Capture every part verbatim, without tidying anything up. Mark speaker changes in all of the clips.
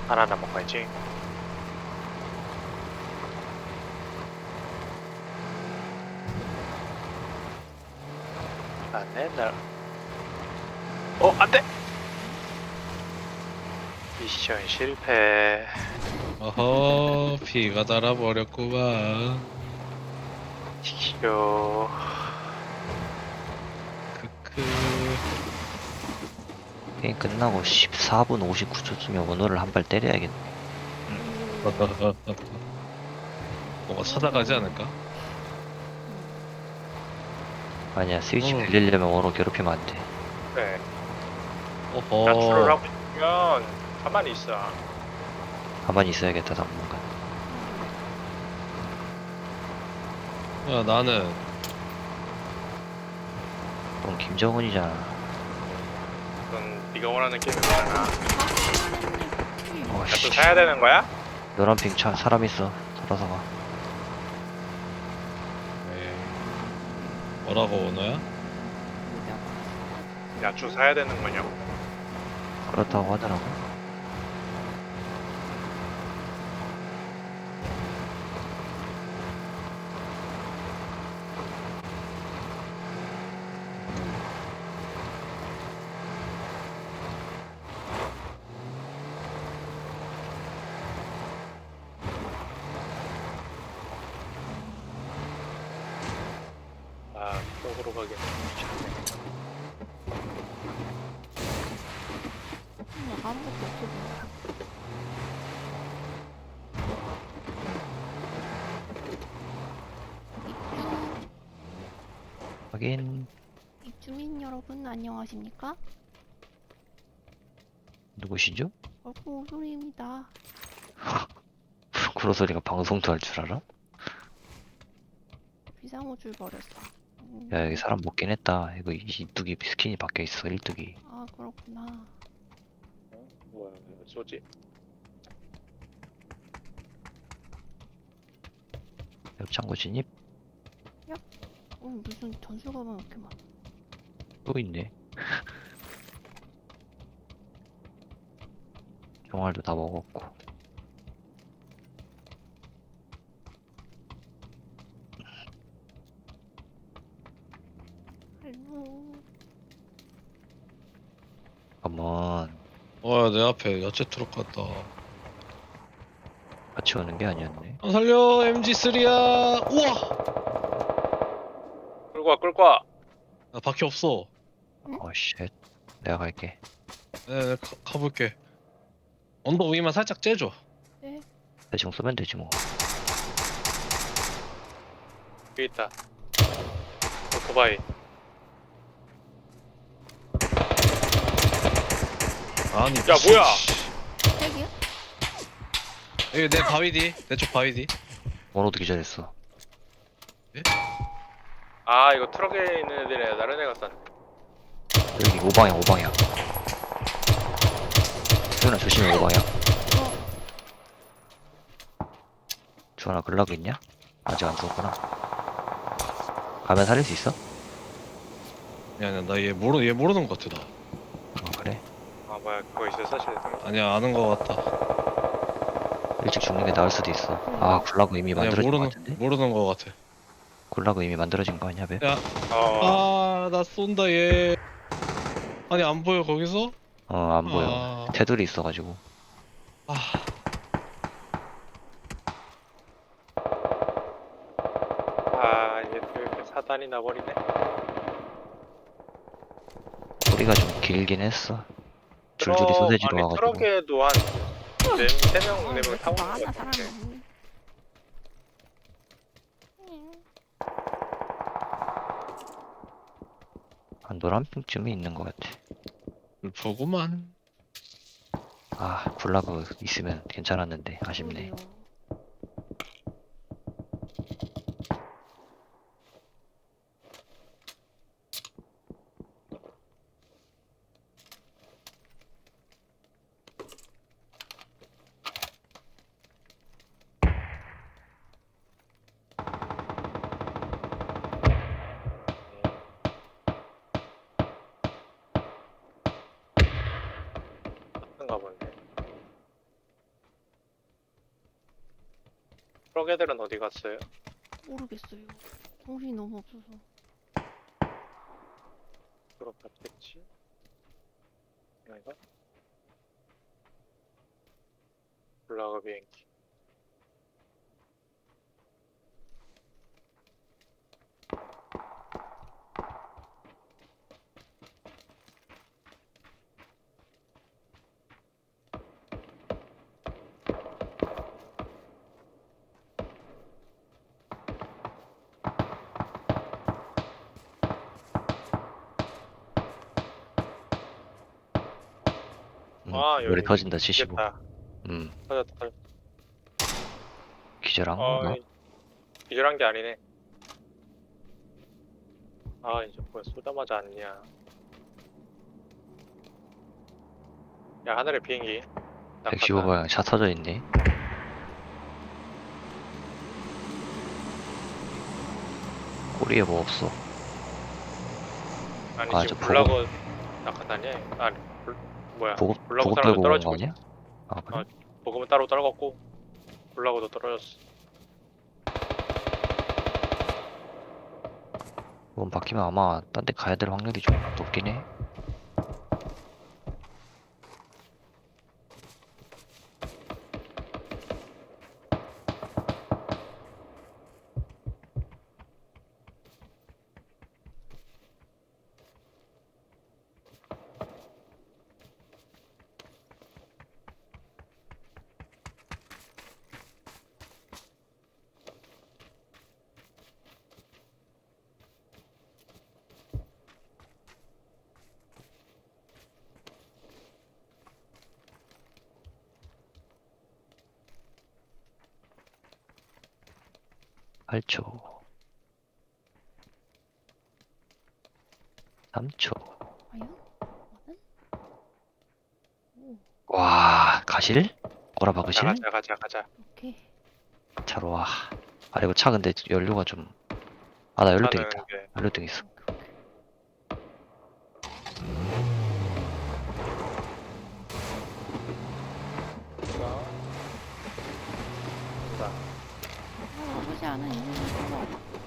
Speaker 1: 하나 남아가야지. 안돼 날. 어 안돼. 미션 실패.
Speaker 2: 어허, 피가 달아버렸구만.
Speaker 1: 튀겨.
Speaker 2: 크크.
Speaker 3: 게임 끝나고 십사 분 오십구 초쯤에 원호를 한 발 때려야겠네.
Speaker 2: 뭐가 찾아가지 않을까?
Speaker 3: 아니야, 스위치
Speaker 2: 어.
Speaker 3: 빌리려면 원호 괴롭히면 안 돼.
Speaker 1: 그래. 낮출을
Speaker 2: 어허.
Speaker 1: 하고 싶으면 가만히 있어.
Speaker 3: 가만히 있어야겠다, 당분간.
Speaker 2: 야, 나는
Speaker 3: 넌 김정은이잖아.
Speaker 1: 그건 네가 원하는 게임이잖아.
Speaker 3: 어,
Speaker 1: 야또
Speaker 3: 씨.
Speaker 1: 사야 되는 거야?
Speaker 3: 노란 핑 차, 사람 있어. 돌아서 가.
Speaker 2: 에이, 뭐라고 원호야?
Speaker 1: 야추 사야 되는 거냐고.
Speaker 3: 그렇다고 하더라고.
Speaker 1: 아 쪽으로 가게.
Speaker 4: 음, 아무것도 없어 보여. 입주,
Speaker 3: 하긴,
Speaker 4: 입주민 여러분 안녕하십니까?
Speaker 3: 누구시죠?
Speaker 4: 얼굴 오소리입니다.
Speaker 3: 구로소리가 방송도 할 줄 알아?
Speaker 4: 비상호출 버렸어. 음,
Speaker 3: 야, 여기 사람 먹긴 했다. 이거 이뚝이 스킨이 바뀌어 있어, 일뚝이.
Speaker 4: 아 그렇구나.
Speaker 1: 어? 뭐야 왜 쏘지?
Speaker 3: 옆창고 진입?
Speaker 4: 어, 무슨 전술가방 이렇게 많아.
Speaker 3: 또 있네. 종알도 다 먹었고.
Speaker 4: 아이고.
Speaker 3: 한번
Speaker 2: 어, 내 앞에 야채 트럭 갔다.
Speaker 3: 같이 오는 게 아니었네.
Speaker 2: 아, 살려, 엠지쓰리야. 우와!
Speaker 1: 끌고 와 끌고 와.
Speaker 2: 나 밖에 없어.
Speaker 3: 어, 쉣. 내가 갈게.
Speaker 2: 네, 네, 가, 가볼게. 언덕 위만 살짝 째줘.
Speaker 4: 네.
Speaker 3: 대충 쏘면 되지 뭐.
Speaker 1: 여기 있다. 오토바이.
Speaker 2: 아니,
Speaker 1: 야, 뭐야?
Speaker 4: 핵이야?
Speaker 2: 여기 내 바위 뒤. 내 쪽 바위 뒤.
Speaker 3: 원호도 기절했어.
Speaker 1: 아 이거 트럭에 있는 애들이 다른 애가 쐈네.
Speaker 3: 여기 오방향, 오방향. 주원아, 조심해, 오방향. 주원아, 글라그 있냐? 아직 안 죽었구나. 가면 살릴 수 있어?
Speaker 2: 아니야, 아니야, 나얘 모르, 얘 모르는 것 같아, 나.
Speaker 3: 어, 그래.
Speaker 1: 아 뭐야 그거 있어 사실.
Speaker 2: 아니야, 아는 것 같다.
Speaker 3: 일찍 죽는 게 나을 수도 있어. 아, 글라그 이미
Speaker 2: 아니야,
Speaker 3: 만들어진 거
Speaker 2: 모르는,
Speaker 3: 같은데?
Speaker 2: 모르는 것 같아.
Speaker 3: 글라그 이미 만들어진 거 아니야, 배?
Speaker 2: 야,
Speaker 1: 어.
Speaker 2: 아, 나 쏜다, 얘. 아니, 안 보여, 거기서?
Speaker 3: 어, 안 보여.
Speaker 2: 아.
Speaker 3: 테두리 있어가지고.
Speaker 2: 아,
Speaker 1: 아 이게 또 이렇게 사단이 나버리네.
Speaker 3: 소리가 좀 길긴 했어. 줄줄이
Speaker 1: 트럭
Speaker 3: 소세지로
Speaker 1: 아니
Speaker 3: 와가지고.
Speaker 1: 트럭에도 한네세명
Speaker 4: 아,
Speaker 1: 네
Speaker 4: 왜
Speaker 1: 명
Speaker 4: 이렇게
Speaker 1: 타고 있는
Speaker 4: 많아
Speaker 1: 것 같은데.
Speaker 4: 사람이. 음.
Speaker 3: 한 노란핑쯤이 있는 것 같아.
Speaker 2: 불포구만.
Speaker 3: 아, 글라그 있으면 괜찮았는데 아쉽네.
Speaker 4: 그러게요.
Speaker 1: 그런가 보네. 트럭 애들은 어디 갔어요?
Speaker 4: 모르겠어요. 정신이 너무 없어서.
Speaker 1: 그럼 갔겠지. 아닌가? 올라가 비행기.
Speaker 3: 음,
Speaker 1: 아,
Speaker 3: 머리
Speaker 1: 여기
Speaker 3: 터진다 칠십오.
Speaker 1: 미치겠다.
Speaker 3: 음,
Speaker 1: 터졌다, 터졌다.
Speaker 3: 기절한
Speaker 1: 어,
Speaker 3: 건가?
Speaker 1: 기절한 게 아니네. 아, 이제 뭐야, 쏘자마자 안냐. 야, 하늘에 비행기.
Speaker 3: 백십오
Speaker 1: 낙하산.
Speaker 3: 방향 차 터져 있네. 꼬리에 뭐 없어.
Speaker 1: 아니,
Speaker 3: 아,
Speaker 1: 지금
Speaker 3: 저
Speaker 1: 불나고 낙하산이야? 아니, 불, 뭐야.
Speaker 3: 보급
Speaker 1: 불나고
Speaker 3: 보급
Speaker 1: 사람도
Speaker 3: 들고 온
Speaker 1: 떨어지고
Speaker 3: 거 아니야?
Speaker 1: 있어.
Speaker 3: 아 그래?
Speaker 1: 어. 보급은 따로 떨궜고, 불나고도 떨어졌어.
Speaker 3: 이번 바뀌면 아마 딴 데 가야 될 확률이 좀 높긴 해. 팔 초. 삼 초.
Speaker 4: 과연? 나는? 오,
Speaker 3: 와, 가실? 꼬라
Speaker 1: 자,
Speaker 3: 박으실?
Speaker 1: 가자, 가자, 가자.
Speaker 4: 오케이.
Speaker 3: 차로 와. 아, 이거 차 근데 연료가 좀. 아, 나 연료등
Speaker 1: 차는
Speaker 3: 있다.
Speaker 1: 게
Speaker 3: 연료등 있어.
Speaker 4: 오케이, 오케이.
Speaker 1: 자,
Speaker 4: 아, 나쁘지 않은 인생을 살아.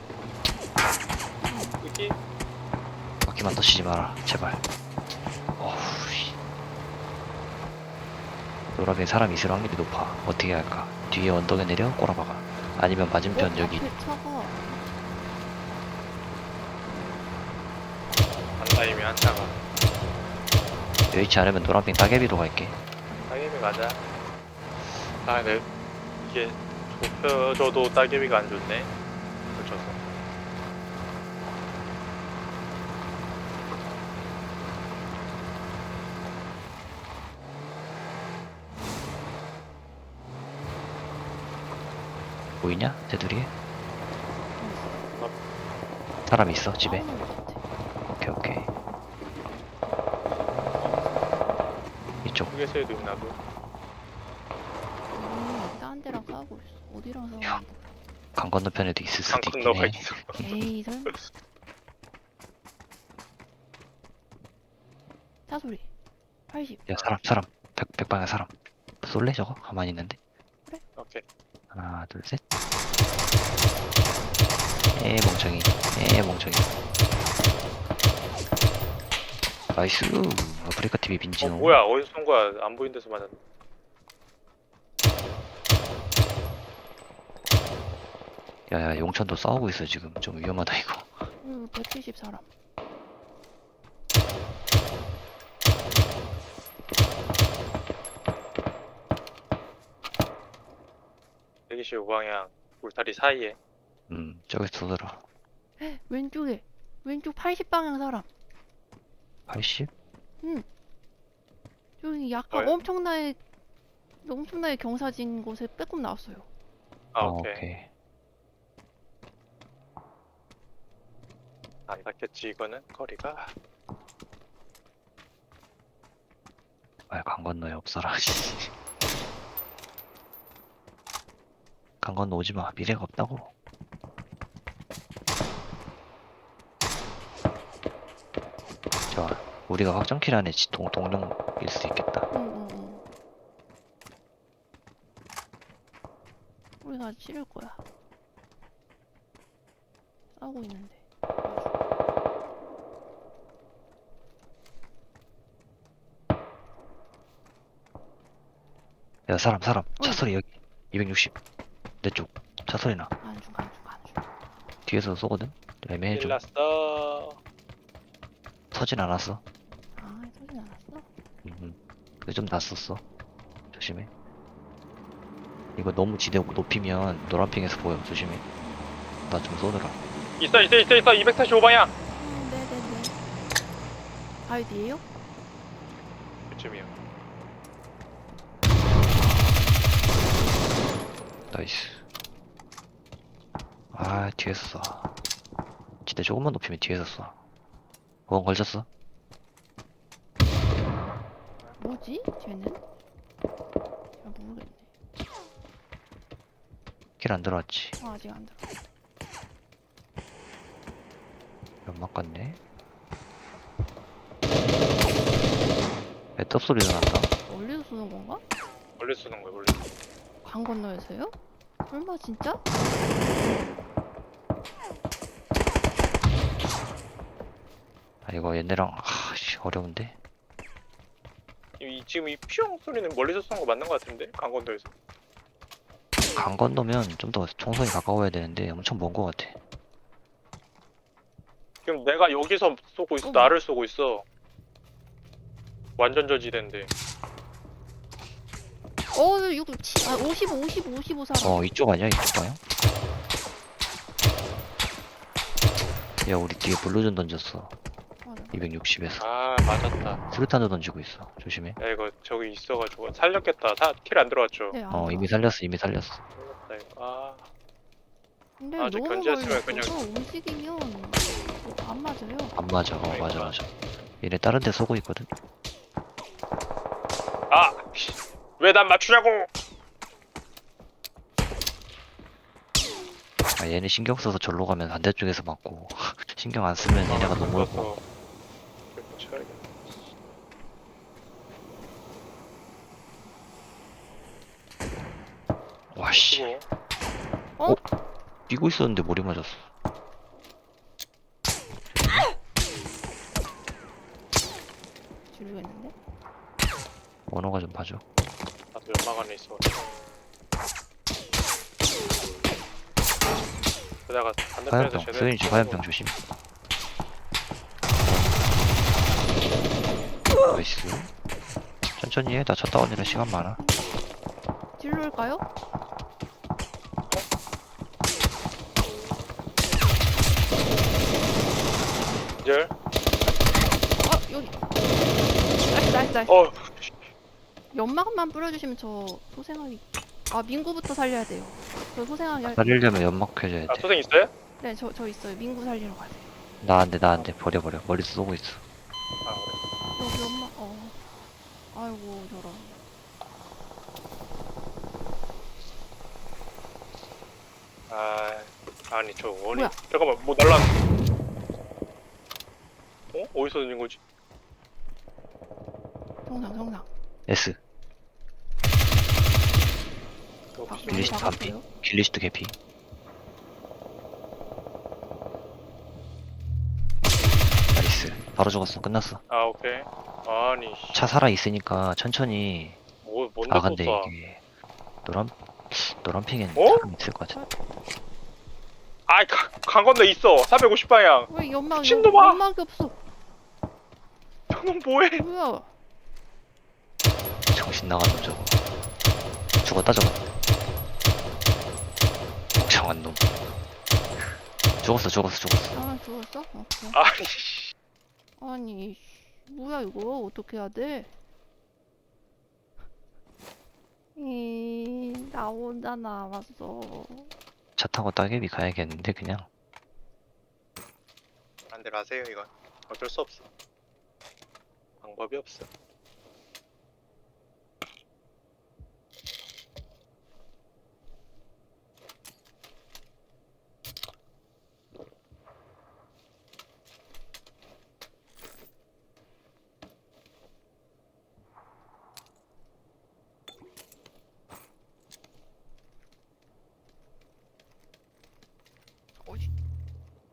Speaker 1: 여기
Speaker 3: 바퀴만 터치지 마라. 제발. 어후, 씨. 노란빙 사람 있을 확률이 높아. 어떻게 할까? 뒤에 언덕에 내려 꼬라 박아. 아니면 맞은편
Speaker 4: 어,
Speaker 3: 여기.
Speaker 4: 앞에 차가
Speaker 1: 간다 이미 한 차가.
Speaker 3: 여의치 않으면 노란빙 따개비로 갈게.
Speaker 1: 따개비 가자. 아, 근데 이게 좁혀져도 따개비가 안 좋네. 그렇쳐서.
Speaker 3: 보이냐? 쟤들이? 사람 있어 집에?
Speaker 4: 싸우는 것 같아.
Speaker 3: 오케이 오케이. 이쪽.
Speaker 1: 휴게소에도 있나 보.
Speaker 4: 음, 딴 데랑 싸우고 있어. 어디랑 싸우는
Speaker 3: 야.
Speaker 4: 거야?
Speaker 3: 강 건너편에도 있을
Speaker 1: 강
Speaker 3: 수도 있긴
Speaker 1: 건너가
Speaker 3: 해.
Speaker 1: 있어.
Speaker 4: 에이, 설마. 차 소리. 팔십.
Speaker 3: 야 사람 사람. 백, 백방향 사람. 쏠래 저거? 가만히 있는데.
Speaker 1: 오케이.
Speaker 3: 하나 둘 셋. 에 멍청이. 에 멍청이. 나이스. 아프리카 티비
Speaker 1: 어,
Speaker 3: 빈지노.
Speaker 1: 뭐야? 어디서 쏜 거야? 안 보이는 데서 맞았네.
Speaker 3: 야야 용천도 싸우고 있어 지금. 좀 위험하다 이거.
Speaker 4: 음, 백칠십 사람.
Speaker 1: 백이십오 방향 울타리 사이에.
Speaker 3: 음 저기서 쏘더라.
Speaker 4: 왼쪽에. 왼쪽 팔십 방향 사람.
Speaker 3: 팔십?
Speaker 4: 저기 약간
Speaker 1: 뭐야?
Speaker 4: 엄청나게 엄청나게 경사진 곳에 빼꼼 나왔어요.
Speaker 1: 아,
Speaker 3: 어,
Speaker 1: 오케이.
Speaker 3: 오케이.
Speaker 1: 안 닿겠지 이거는 거리가.
Speaker 3: 아강 건너에 없어라. 강 건너 오지마. 미래가 없다고. 좋아. 우리가 확정킬 안에 지- 동, 동룡일 수 있겠다.
Speaker 4: 응, 응, 응. 우리가 치를 거야. 싸우고 있는데.
Speaker 3: 야 사람 사람 차
Speaker 4: 어이.
Speaker 3: 소리 여기 이백육십 내 쪽 차 소리 나
Speaker 4: 안중 안중 안중.
Speaker 3: 뒤에서 쏘거든 애매해 좀
Speaker 1: 일났어.
Speaker 3: 서진 않았어
Speaker 4: 아 소진 않았어?
Speaker 3: 음, 근데 좀 났었어 조심해 이거 너무 지대 높이면 노란핑에서 보여 조심해 나 좀 쏘느라
Speaker 1: 있어 있어 있어 있어. 이백사십오 방향.
Speaker 4: 음 네네네. 바위 뒤에요?
Speaker 1: 그쯤이요.
Speaker 3: 나이스 아 뒤에서 쏴 지대 조금만 높이면 뒤에서 쏴 보험 걸쳤어?
Speaker 4: 뭐지? 쟤는? 잘 모르겠네.
Speaker 3: 길 안 들어왔지
Speaker 4: 아, 아직 안 들어.
Speaker 3: 연막 같네 애떡 소리도 난다
Speaker 4: 멀리서 쏘는 건가?
Speaker 1: 멀리 쏘는 거야 멀리.
Speaker 4: 강 건너에서요? 설마 진짜?
Speaker 3: 아 이거 얘네랑 아씨 어려운데
Speaker 1: 이 지금 이 피용 소리는 멀리서 쏜 거 맞는 거 같은데 강건도에서.
Speaker 3: 강 건너면 좀 더 총선이 가까워야 되는데 엄청 먼 거 같아
Speaker 1: 지금 내가 여기서 쏘고 있어.
Speaker 4: 어머.
Speaker 1: 나를 쏘고 있어. 완전 저지대인데.
Speaker 4: 어, 육, 치, 아, 오십오, 오십오, 오십오 사람.
Speaker 3: 어 이쪽 아니야 이쪽 방향? 야 우리 뒤에 블루전 던졌어
Speaker 4: 맞아.
Speaker 3: 이백육십에서
Speaker 1: 아 맞았다.
Speaker 3: 수류탄도 던지고 있어 조심해
Speaker 1: 야 이거 저기 있어가지고 살렸겠다. 다 킬 안 들어왔죠.
Speaker 4: 네, 안
Speaker 3: 어
Speaker 4: 들어.
Speaker 3: 이미 살렸어 이미 살렸어
Speaker 1: 살렸다 이거. 아
Speaker 4: 근데
Speaker 1: 아, 저
Speaker 4: 너무
Speaker 1: 견제했으면
Speaker 4: 멀리서 움직이면 안 맞아요.
Speaker 3: 안 맞아 어 맞아 맞아 얘네 다른 데 쏘고 있거든
Speaker 1: 아! 왜 난 맞추냐고!
Speaker 3: 아 얘네 신경 써서 절로 가면 반대쪽에서 맞고 신경 안 쓰면 얘네가 너무 멀고
Speaker 1: 그래서 이렇게 쳐야겠다.
Speaker 3: 와씨
Speaker 1: 그리고
Speaker 4: 어?
Speaker 3: 뛰고 있었는데 머리 맞았어
Speaker 4: 지르겠는데?
Speaker 3: 원호가 좀 봐줘
Speaker 1: 나도 연막 안에 있어. 그러다가 반대편에서
Speaker 3: 화염병
Speaker 1: 제대로
Speaker 3: 소연이 좀 화염병 조심 나이스 천천히 해나 쳤다 언니랑 시간 많아
Speaker 4: 질러일까요?
Speaker 1: 기절.
Speaker 4: 아, 여기. 나이스, 나이스, 나이스.
Speaker 1: 어
Speaker 4: 연막만 뿌려주시면 저 소생하기. 아, 민구부터 살려야 돼요. 저 소생하기 할.
Speaker 3: 살리려면 연막 켜줘야
Speaker 1: 아,
Speaker 3: 돼
Speaker 1: 소생 있어요?
Speaker 4: 네, 저, 저 있어요. 민구 살리러 가세요.
Speaker 3: 나 안돼 나 안돼 버려 버려 머리서 쏘고 있어
Speaker 1: 아 그래.
Speaker 4: 여기 연막, 어. 아이고, 저런.
Speaker 1: 아 아니 저 원이
Speaker 4: 뭐야?
Speaker 1: 잠깐만 뭐 날라. 어? 어디서 던진 거지?
Speaker 4: 정상, 정상.
Speaker 3: S
Speaker 1: 이거
Speaker 4: 바,
Speaker 1: 혹시-
Speaker 3: 빌리시
Speaker 4: 여기
Speaker 3: 반피.
Speaker 4: 박았어요?
Speaker 3: 길리스트 개피 나이스 바로 죽었어 끝났어
Speaker 1: 아 오케이. 아니 씨.
Speaker 3: 차 살아 있으니까 천천히
Speaker 1: 뭐 뭔데
Speaker 3: 아
Speaker 1: 또
Speaker 3: 근데
Speaker 1: 쏴?
Speaker 3: 이게 노란 노란 핑엔
Speaker 1: 어?
Speaker 3: 사람 있을 것 같아
Speaker 1: 아이 가- 강 건너 있어. 사백오십 방향.
Speaker 4: 왜 연막, 연,
Speaker 1: 미친놈아!
Speaker 4: 연막이 없어.
Speaker 1: 저놈 뭐해?
Speaker 4: 뭐야?
Speaker 3: 정신 나간 놈 저거 죽었다 저거 멍청한 놈 죽었어 죽었어 죽었어
Speaker 4: 아, 죽었어? 오케이.
Speaker 1: 아니 씨.
Speaker 4: 아니, 씨, 뭐야, 이거? 어떻게 해야 돼? 이, 나 혼자 남았어.
Speaker 3: 차 타고 따개비 가야겠는데 그냥
Speaker 1: 안대로 하세요 이건. 어쩔 수 없어. 방법이 없어.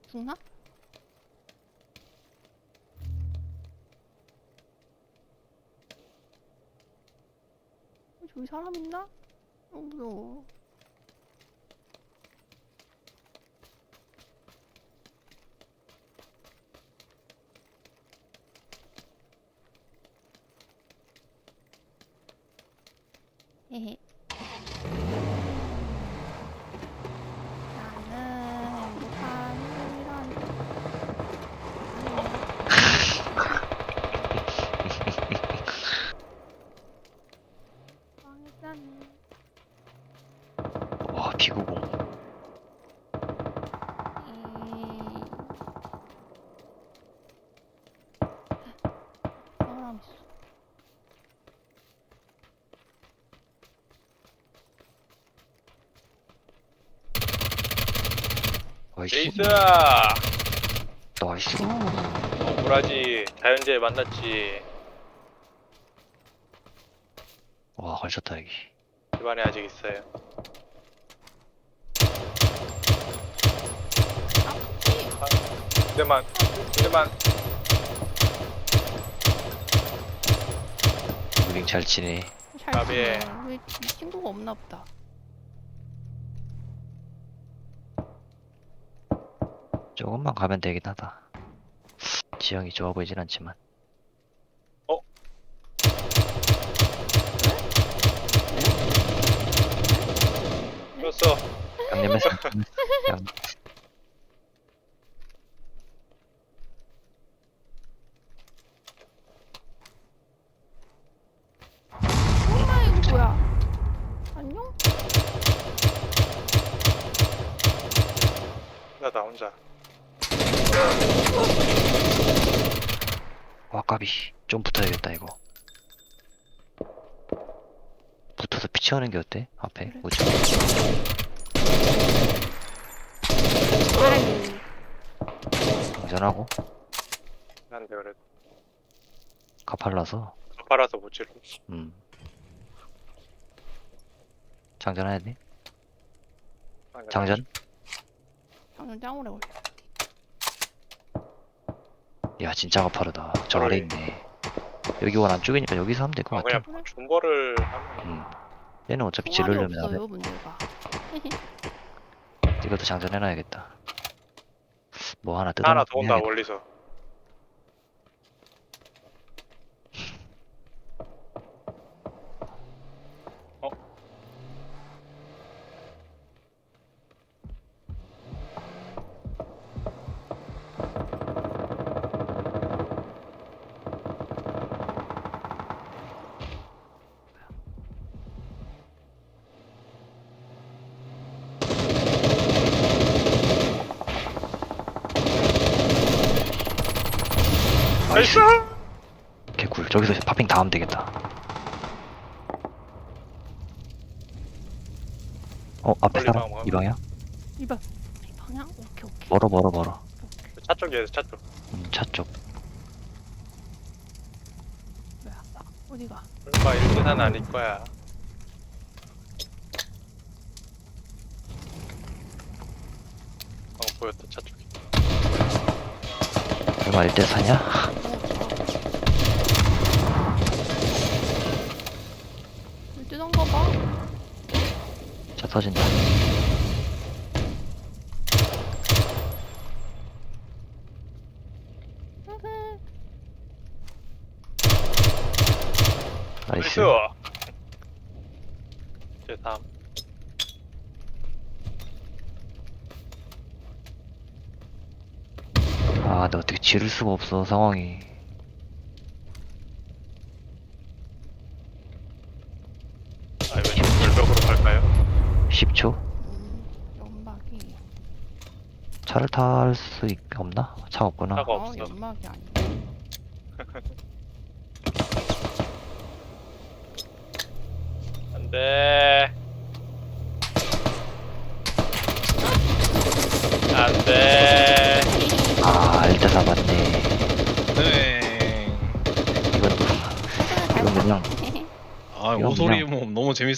Speaker 4: 죽나? 어, 저기 사람 있나? 어 무서워. 헤헤. 나는 행복한 이런. 망했다니.
Speaker 3: 와 비구공.
Speaker 4: 에이. 사람 있어.
Speaker 3: 나이스.
Speaker 1: 레이스!
Speaker 3: 나이스.
Speaker 1: 억울하지. 자연재해 만났지.
Speaker 3: 와 걸쳤다 여기.
Speaker 1: 집안에 아직 있어요.
Speaker 4: 아프지?
Speaker 1: 그대만, 그대만.
Speaker 3: 무빙 잘 치네.
Speaker 4: 잘
Speaker 1: 나비에.
Speaker 4: 지내. 왜 친구가 없나 보다.
Speaker 3: 조금만 가면 되긴 하다. 지형이 좋아 보이진 않지만.
Speaker 1: 죽었어.
Speaker 3: 양념에서 양.
Speaker 4: 엄마 이거 뭐야? 안녕?
Speaker 1: 나, 나 혼자.
Speaker 3: 와 까비. 좀 붙어야겠다 이거. 붙어서 피치하는 게 어때? 앞에
Speaker 4: 그래.
Speaker 3: 우측.
Speaker 4: 아이고.
Speaker 3: 장전하고
Speaker 1: 난데 그래도.
Speaker 3: 가팔라서.
Speaker 1: 가파라서 못 지르.
Speaker 3: 음. 장전해야 돼? 장전?
Speaker 4: 장전 짱 오래 걸려.
Speaker 3: 야 진짜 가파르다. 저
Speaker 1: 그래.
Speaker 3: 아래 있네. 여기 원 안쪽이니까 여기서 하면 될 것
Speaker 1: 아,
Speaker 3: 같아.
Speaker 1: 그냥 존버를 하면.
Speaker 3: 음. 얘는 어차피
Speaker 4: 총알이
Speaker 3: 지르려면
Speaker 4: 없어요
Speaker 3: 하면
Speaker 4: 문제가.
Speaker 3: 이것도 장전해놔야겠다. 뭐 하나 뜯어.
Speaker 1: 하나 더 온다, 멀리서. 어? 나이스!
Speaker 3: 개꿀. 저기서 파핑 다 하면 되겠다. 어 앞에
Speaker 1: 멀리
Speaker 3: 사람
Speaker 1: 방어하면.
Speaker 3: 이 방향?
Speaker 4: 이봐. 이 방향? 오케이 오케이.
Speaker 3: 멀어 멀어 멀어.
Speaker 4: 오케이.
Speaker 1: 차 쪽이에요, 차 쪽.
Speaker 3: 음, 차 쪽.
Speaker 4: 뭐야? 나 어디가?
Speaker 1: 설마 일계산 아닐 거야. 어, 보였다, 차 쪽이.
Speaker 3: 얼마 일 대 사냐?
Speaker 4: 물 뜨던가 봐.
Speaker 3: 차 터진다. 나이스.
Speaker 1: 나이스! 제 다음.
Speaker 3: 아, 나 어떻게 지를 수가 없어 상황이.
Speaker 1: 아, 왜 절벽으로 갈까요?
Speaker 3: 십 초?
Speaker 4: 음, 연막이.
Speaker 3: 차를 탈 수 없나? 차 없구나.
Speaker 1: 차가
Speaker 4: 어,
Speaker 1: 없어.
Speaker 4: 연막이 아니야.
Speaker 1: 안 돼. 안 돼.
Speaker 3: 아, 일 대 사 맞네.
Speaker 2: 네.
Speaker 3: 이건 또, 이건 그냥
Speaker 2: 아
Speaker 3: 이건
Speaker 2: 오소리
Speaker 3: 그냥-
Speaker 2: 모험 너무 재밌.